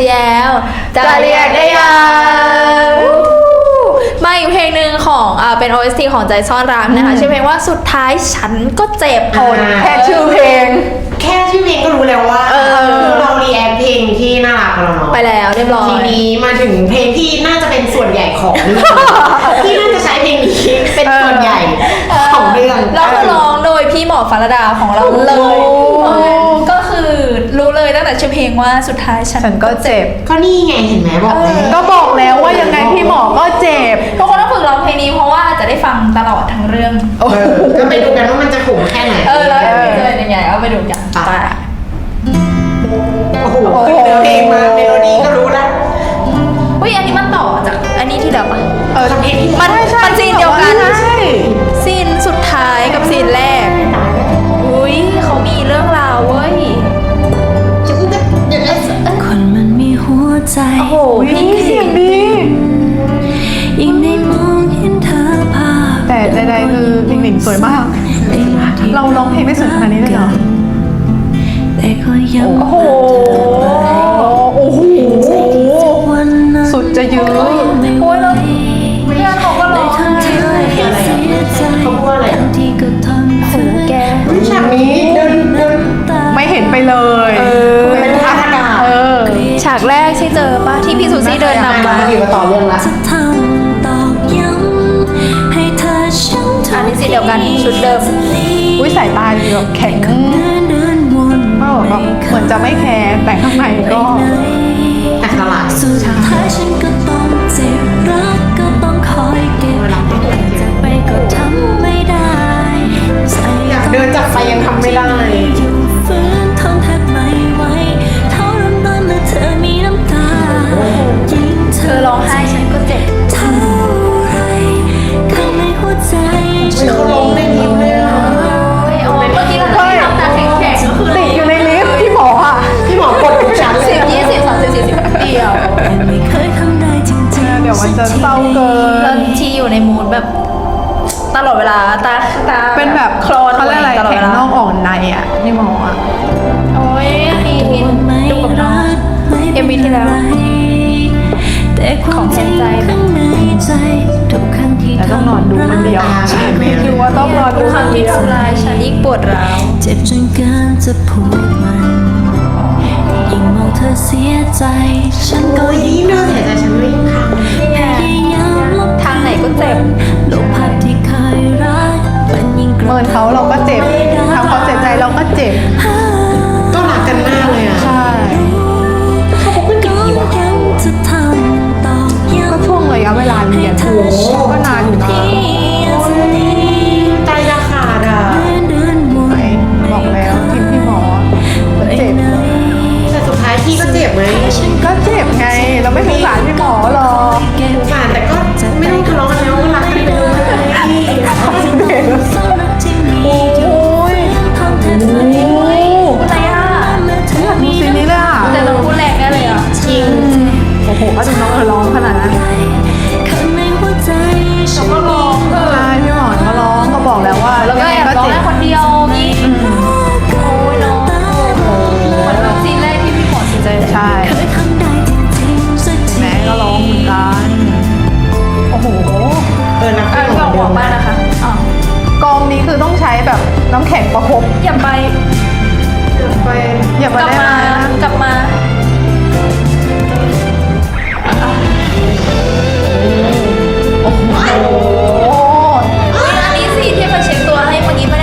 แล้วจะเรียกได้ยังมาอีกเพลงหนึ่งของเป็น OST ของใจซ่อนรักนะคะชื่อเพลงว่าสุดท้ายฉันก็เจ็บแค่ชื่อเพลงแค่ชื่อเพลงก็รู้แล้วว่าคือเรารีแอคเพลงที่น่ารักเราเนาะไปแล้วเรียบร้อยทีนี้มาถึงเพลงที่น่าจะเป็นส่วนใหญ่ของเรื่องที่น่าจะใช้เพลงนี้เป็นส่วนใหญ่ของเรื่องแล้วก็ร้องโดยพี่หมอฟารดาของเราเลยก็คือรู้เลยตั้งแต่ชื่อเพลงว่าสุดท้ายฉัฉันก็เจ็บก็นี่ไงเห็นไหมบอกแล้วก็บอกแล้วว่ายังไงพี่หมอก็เจ็บทุกคนต้องฝึกร้องเพลงนี้เพราะว่าจะได้ฟังตลอดทั้งเรื่องก็ไปดูกันว่ามันจะขมแค่ไหนแล้วจะเป็นยังไงเอาไปดูกันไป โอ้โหเพลงมาเมโลดี้ก็รู้แล้วอุ้ยอันนี้มันต่อจากอันนี้ที่เดิมอ่ะเพลงที่มันซีนเดียวกันใช่ซีนสุดท้ายกับซีนแรกอุ้ยเขามีเรื่องราวเว้ยคนมันมีหัวใจโอ้โหนี่เสียงดียิ่งได้มองเห็นเธอภาพแต่ใดๆคือหนิงสวยมาก เราร้องเพลงได้สวยขนาดนี้เลยเหรอแต่ก็ยังโอ้โห โอ้โหวันนั้นสุดจะยื้อโอ้ยแล้วเพื่อนเขาก็ร้องไห้เสียใจเขาพูดว่าอะไรทั้งที่ก็ทำเธอแกฉากนี้เดินไม่เห็นไปเลยเป็นภาพอากาศฉากแรกที่เจอป่ะที่พี่สุซี่เดินนำมาอยู่มาต่อเรื่องละจะทำตอกย้ำให้เธอช้ำทุกอันนี้ซีนเดียวกันชุดเดิมอุ้ยสายตาแบบแข็งเดินวนแบบเหมือนจะไม่แคร์แต่ข้างในก็แต่สลายสุดท้ายฉันก็ต้องเจ็บรักก็ต้องคอยเก็บจะไปก็ทำไม่ได้ใจอยากเดินจากไปยังทำไม่ได้อยู่ฝืนทนแทบไม่ไหวเท่าน้ำตาเมื่อเธอมีน้ำตายิ่งเธเธอร้องไห้ฉันก็เจ็บเท่าไรข้างในหัวใจเขาลงได้นิ่มเลยอ่ะโอ้ยเมื่อกี้เราทำตาแข็งๆก็คือติดอยู่ในลิฟต์พี่หมออ่ะพี่หมอกดทุกชั้นเลย 10 20 30 40เดียวแต่ไม่เคยทำได้จริงๆเดี๋ยวมันจะเศร้าเกิแล้วนที่อยู่ในมูดแบบตลอดเวลาตาเป็นแบบโคลนเขาเรียกอะไรตลอดแข็เวงลานอกอ่อนในอ่ะพี่หมออ่ะโอ้ยอันนี้ที่ดูกับน้อง MV ที่แล้วแต่ความจริงข้างในใจทุกครั้งที่แต่ต้องนอนดูคนเดียวใช่ไหมคือว่าต้องนอนทุดูกคครั้งนที่เดียวทำร้ายฉันยิ่งปวดร้าวเจ็บจนเกินจะพูดมันยิ่งมองเธอเสียใจ ฉันก็โอ้ยยิ่ยิ่งงเดินเสียใจฉันไม่ยิ่งขังพยายามลบทางไหนก็เจ็บลบภาพที่เคยรักมันยิ่งกเมินเขาเราก็เจ็บทำเขาเสียใจเราก็เจ็บก็รักกันมากเลยอ่ะใช่ก็ยังจะทำตอกย้ำก็ช่วงระยะเวลาเรียนโอ้โหก็นานอยู่นะใจจะขาดอ่ะเดินวนไหนบอกแล้วทีมพี่หมอมันเจ็บแต่สุดท้ายพี่ก็เจ็บไหมก็เจ็บไง เราไม่สงสารพี่หมอหรอกเก็บสงสารแต่ก็ไม่ต้องทะเลาะกันแล้วก็รักกันไปเลยซ่อนรักที่มีโอ้ยทำแทบไม่ไหวอะไรอ่ะเมื่อเธอดูมีซีนี้เลยอ่ะแต่ต้องพูดแรงแน่เลยอ่ะจริงโอ้โหก็ดูน้องร้องขนาดนั้นข้างในหัวใจฉันก็ร้องเออใช่พี่หมอก็ร้องก็บอกแล้วว่าแล้วก็แอบร้องเจ็ได้บคนเดียวยิ่งโอ้ยน้องเหมือนแบบซีนแรกที่พี่หมอเสียใจใช่เคยทำได้จริงๆสักทีแม่ก็ร้องเหมือนกันโอ้โหนักอ่ะพี่ก็ของหัวเดิมบ้านนะคะอ๋อกองนี้คือต้องใช้แบบน้ำแข็งประคบอย่าไปไปอย่าก มาลับได้มานะกลับมาโอ้โหอุ๊ยอันนี้สิที่มาเช็คตัวให้เมื่อกี้ปะเนี่ย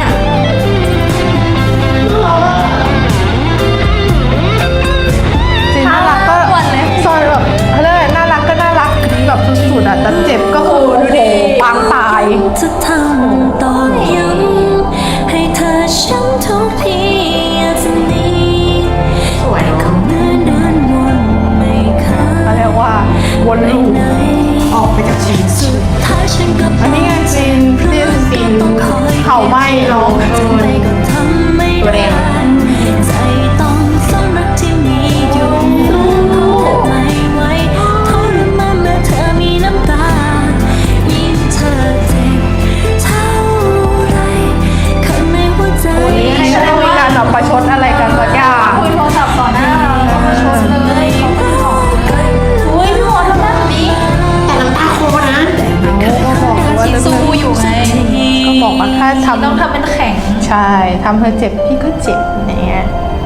จริงน่ารักก็ซอยแบบเขาเรียกอะไรน่ารักก็น่ารักแบบสุดๆอ่ะแต่เจ็บก็คือโอ้โหปางตายจะทำตอกย้ำให้เธอช้ำทุกทีอาจจะหนีสวยเนาะเดินวนไม่ค้าเขาเรียกว่าวนลูปไหนออกไปจากชีวิตสุดท้ายฉันก็อันนี้ไงซีนเผาไหม้เนาะไปก็ทำไม่ได้ใจต้องซ่อนรักที่มีอยู่ฝืนทนไม่ไหวทรมานเมื่อเธอมีน้ำตายิ่งเธอเจ็บเท่าไรข้างในหัวใจให้ได้มีการแบบประชดอะไรกันสักอย่างคุยโทรศัพท์ต่อหน้าเราแล้วก็ชดเลยเขาก็บอกถ้าทำต้องทำเป็นแข็งใช่ทำเธอเจ็บพี่ก็เจ็บอย่างเงี้ย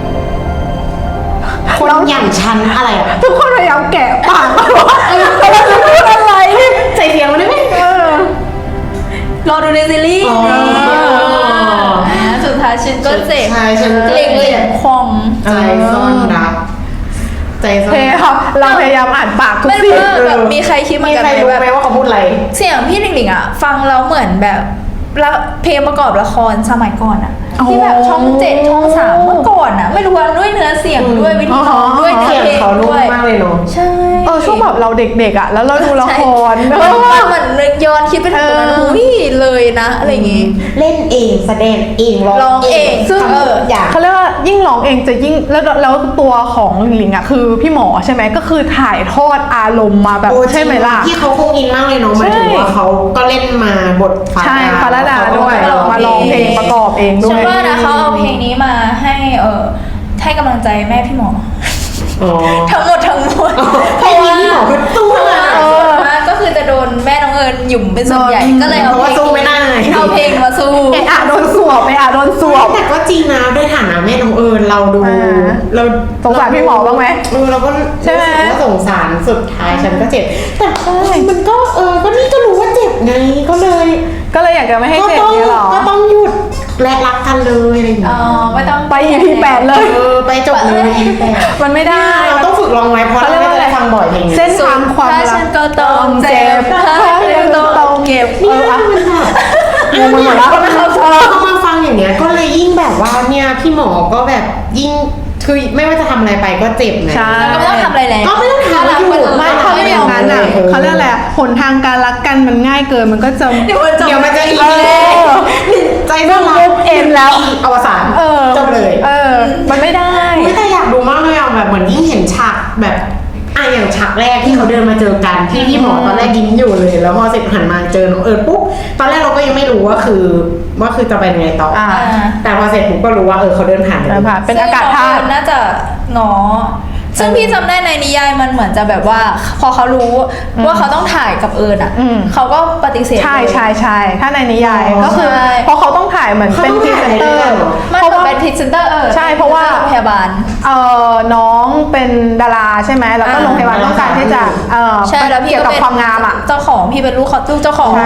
คนอย่างฉันอะไรอ่ะทุกคนพยายามแกะปากว่าเราจะพูดอะไรใส่เสียงมาได้ไหมรอดูในซีรีส์อ๋อสุดท้ายฉันก็เจ็บใช่ฉันก็เล็งเหลี่ยมคมใจซ่อนรักใจซ่อนพยายามเราพยายามอ่านปากทุกไม่สิ่รู้งว่าแบบมีใครคิดเหมืมีอนกันใครไหมรู้แบบไหมว่าเขาพูดอะไรเสียงพี่หลิงๆอ่ะ ฟังแล้วเหมือนแบบละเพลงประกอบละครสมัยก่อนอ่ะ ที่แบบช่อง7ช่อง3เมื่อก่อนอ่ะ ไม่รู้ว่าด้วยเนื้อเสียงด้วยวิธีร้องด้วยเนื้เสีอยงเพลงเขานุ่ด้มวยมากเลยเนาะใช่ช่วงแบบเราเด็กๆอ่ะแล้วเราดูละครมันเหมือนนึกย้อนคิดไปถึงตรงนั้นอุ้ยเลยนะอะไรอย่างงี้เล่นเองแสดงเองร้องเองซึ่งทำทุกอย่างเขาเรียกว่ายิ่งร้องเองจะยิ่งแล้วตัวของหลิงอ่ะคือพี่หมอใช่ไหมก็คือถ่ายทอดอารมณ์มาแบบโอ้ใช่ไหมล่ะที่เขาคงอินมากเลยเนาะหมายถึงว่าเขาก็เล่นมาบทใช่ฟาราดาด้วยมาร้องเพลงประกอบเองด้ฉัวน ยว่านะเขาเอาเพลงนี้มาให้กำลังใจแม่พี่หมออ๋อทั้งหมดเพลงนี้พี่หมอคือตู้เลยส่วนมากก็คือจะโดนแม่น้องเอิญหยุ่มเป็นส่วนใหญ่ก็เลยเอาเพราะว่าสู้ไม่ได้เอาเพลงมาสู้เอะอะโดนสวบโดนสวบแต่ก็จริงนะด้วยฐานะแม่น้องเอิญเราดูอ่าเราสงสารพี่หมอบ้างไหมเราก็ใช่ไหมรู้สึกว่าสงสารสุดท้ายฉันก็เจ็บ แต่มันก็ก็นี่ก็รู้ว่าเจ็บไงก็เลยก็เลยอยากจะไม่ให้เจ็บต้องเนี่ยหรอก็ต้องหยุดและรักกันเลยอะไรอย่างเงี้อ๋อย ไม่ต้องไป EP 8เลยไปจบเลยมันไม่ได้เราต้องฝึกลองไว้เพราะเราไม่ได้ฟังบ่อยเพลงนี้เส้นทางความถ้ารัฉักนก็ต้องเจ็บถ้าฉันก็ต้องเก็บเนี่ยมันแบบงงไปหมดแล้วพอมาฟังอย่างเงี้ยก็เลยยิ่งแบบว่าเนี่ยพี่หมอก็แบบยิ่งคือไม่ว่าจะทำอะไรไปก็เจ็บไงใช่ก็ไม่ต้องทำอะไรแล้วก็ไม่ต้องทำอะไรอยู่ไม่ถ้าไม่อย่างนั้นอ่ะเขาเรียกอะไรหนทางการรักกันมันง่ายเกินมันก็จะเดี๋ยวมันจะอีกเออใจซ่อนรักปุ๊บเอ็นแล้วอวสานจบเลยมันไม่ได้ไม่แต่อยากดูมากเลยอ่ะแบบเหมือนยิ่งเห็นฉากแบบอย่างฉากแรกที่เขาเดินมาเจอกันที่พี่หมอตอนแรกยิ้มอยู่เลย แล้วพอเสร็จหันมาเจอน้องเอิญปุ๊บตอนแรกเราก็ยังไม่รู้ว่าคือจะไปยังไงต่ออา แต่พอเสร็จปุ๊บก็รู้ว่าเขาเดินผ่านเดินผ่าน เป็นอากาศธาตุซึ่งน้องเอิญน่าจะง้อซึ่งพี่จำได้ในนิยายมันเหมือนจะแบบว่า พอเขารู้ว่าเขาต้องถ่ายกับเอิญอ่ะอืมเขาก็ปฏิเสธใช่เลยใช่ใช่ถ้าในนิยายก็คือใช่เพราะเขาต้องถ่ายเหมือนเป็นพรีเซนเตอร์มันเพราะว่าเป็นพรีเซนเตอร์ใช่เพราะว่าพยาบาลน้องเป็นดาราใช่ไหมแล้วก็โรงพยาบาลต้องการที่จะใช่แล้วพี่เกี่ยวกับความงามอ่ะเจ้าของพี่เป็นลูกเจ้าของใช่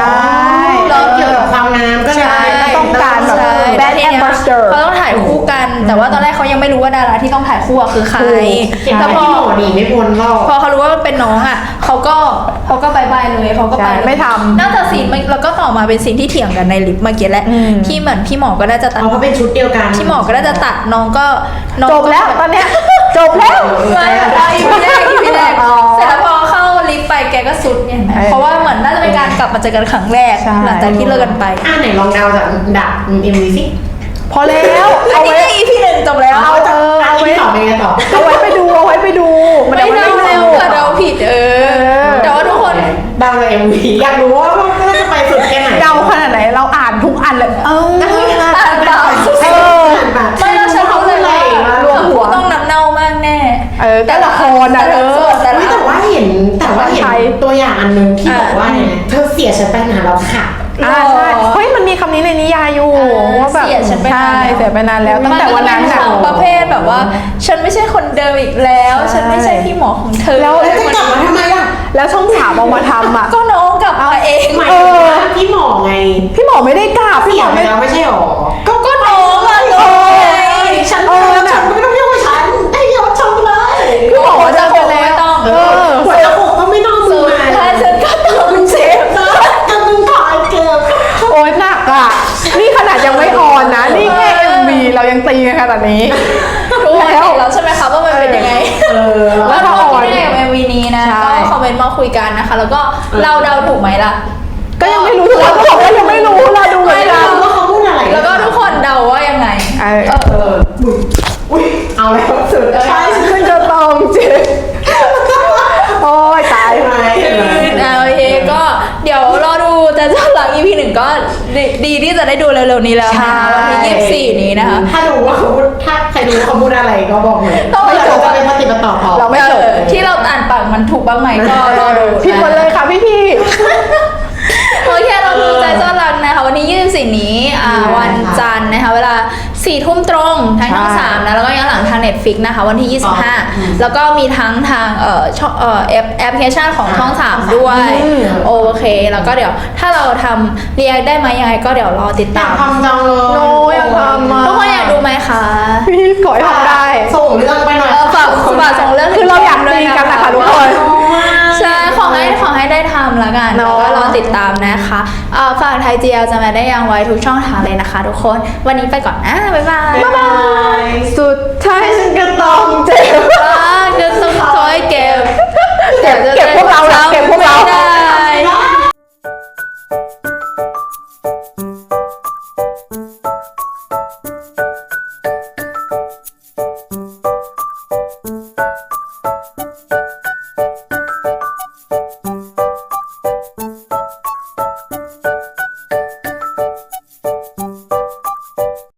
แล้วเกี่ยวกับความงามก็เลยใช่ต้องการแบบใช่ brand ambassador เขาต้องถ่ายคู่กัน แต่ว่าตอนแรกเขายังไม่รู้ว่าดาราที่ต้องถ่ายคู่อะคือใครเห็นแต่แต่พอพี่หมอดีไม่พ้นหรอกพอเขารู้ว่าเป็นน้องอ่ะเขาก็บายบายเลยเขาก็ไปใช่เลยไม่ทำนอกจากซีนแล้วก็ต่อมาเป็นซีนที่เถียงกันในลิฟต์เมื่อกี้แหละอืมที่เหมือนพี่หมอก็น่าจะตัดเพราะเป็นชุดเดียวกันพี่หมอก็น่าจะตัดน้องก็จบแล้วตอนเนี้ยจบแล้วไม่อีพีแรกอ๋อเสร็จแล้วพอเข้าลิฟต์ไปแกก็สุดเนี่ยเห็นไหมเออเพราะว่าเหมือนน่าจะเป็นการกลับมาเจอกันครั้งแรกใช่หลังจากที่เลิกกันไปไหนลองเดาจากดัก MV สิพอแล้วอันเอานี้ไว้ก็อีพีหนึ่งจบแล้วเอาไว้ต่อไปไงต่อเอาไว้ไปดูมันไม่ยังเดาไม่แล้วรู้เผื่อเดาผิดแต่ว่าทุกคนเดาจาก MV อยากรู้ว่าจะไปสุดแค่ไหนเดาขนาดไหนเราอ่านทุกอันเลยอ่านเปล่า ไม่เราฉันรู้เลยว่ารวมหัวต้องน้ำเน่ามากแน่แต่ละครอ่ะแต่ละแต่ว่าเห็นตัวอย่างอันนึงที่บอกว่าเนี่ยเธอเสียฉันไปนานแล้วค่ะใช่เฮ้ยมันมีคำนี้ในนิยายอยู่ว่าแบบเสียฉันไปนานใช่แล้วเสียไปนานแล้วตั้งแต่วันนั้นมัอ่ะก็จะเป็นประเภทแบบว่า ฉันไม่ใช่คนเดิมอีกแล้ว ฉันไม่ใช่พี่หมอของเธอแล้วแล้วจะกลับมาทำไมล่ะแล้วช่องสามเอามาทำอ่ะก็น้องกลับมาเองหมายถึงว่าพี่หมอไงพี่หมอไม่ได้กล้าพี่เสีหมยอไปไม่แล้วไม่ใช่หรอก็น้องอะน้องไงฉันก็ไม่ต้องเรียกว่าฉันให้เรียกว่าชมเลยพี่หมอจะคไปงแล้ไม่วต้องหัวจะหกก็ไม่ต้องมือสุดมาท้ายฉันก็ต้องเจ็บแต่มึงถอยเกือบโอ๊ยหนักอ่ะนี่ขนาดยังไม่ออนนะนี่แค่ MV เรายังตีกันขนาดนี้รู้แล้วใช่ไหมคะว่ามันเป็นยังไง แล้วทุกคนที่ได้กับ MV นี้นะใช่ก็คอมเมนต์มาคุยกันนะคะ แล้วก็เราเดาถูกไหมล่ะก็ยังไม่รู้ทุกคนก็บอกว่ายังไม่รู้เราดูเหมือนกันว่าเขาพูดอะไรแล้วก็ทุกคนเดาว่ายังไงอุ้ยเอาแล้วสุดใช่ฉันจะต้องเจ็บโอ้ยตายไหมโอเคก็เดี๋ยวรอดูแต่เจ้าหลัง EP หนึ่งก็ดีที่จะได้ดูเร็วๆนี้แล้วนะคะวันที่24นี้นะคะถ้ารู้ว่าเขาพูดถ้าใครรู้ว่าเขาพูดอะไรก็บอกเลยต้องไม่จบจะเป็นปฏิบัติต่อเราไม่จบที่เราอ่านปากมันถูกบ้างไหมก็รอดูผิดหมดเลยค่ะพี่โอเคเราดูใจซ่อนรักนะคะวันที่24นี้ 4 ทุ่มตรงทางช่องใช่ 3นะแล้วก็ย้อนหลังทาง Netflix นะคะวันที่ 25 แล้วก็มีทั้งทางช่องแอปพลิเคชันของช่อง 3 ด้วย โอเค แล้วก็เดี๋ยวถ้าเราทำเรียกได้ไหมยังไงก็เดี๋ยวรอติดอยาตาก มทำจังเลยโนอยากทำมาทุกคนอยากดูไหมคะพี่ขอให้ทำได้ส่งเรื่องไปหน่อยฝากส่งเรื่องคือเราอยากตีกันนะคะทุกคนใช่ขอให้ได้ทำแล้วกันเนแล้วอะก็รอติดตามนะคะฝากไทย GL จะมาได้ยังไว้ทุกช่องทางเลยนะคะทุกคนวันนี้ไปก่อนนะบ๊ายบายบ๊ายบายสุดท้ายฉันก็ต้องเจ็บก็ต้องคอยเก็บเก็บพวกเราแหละเก็บพวกเราไม่ได้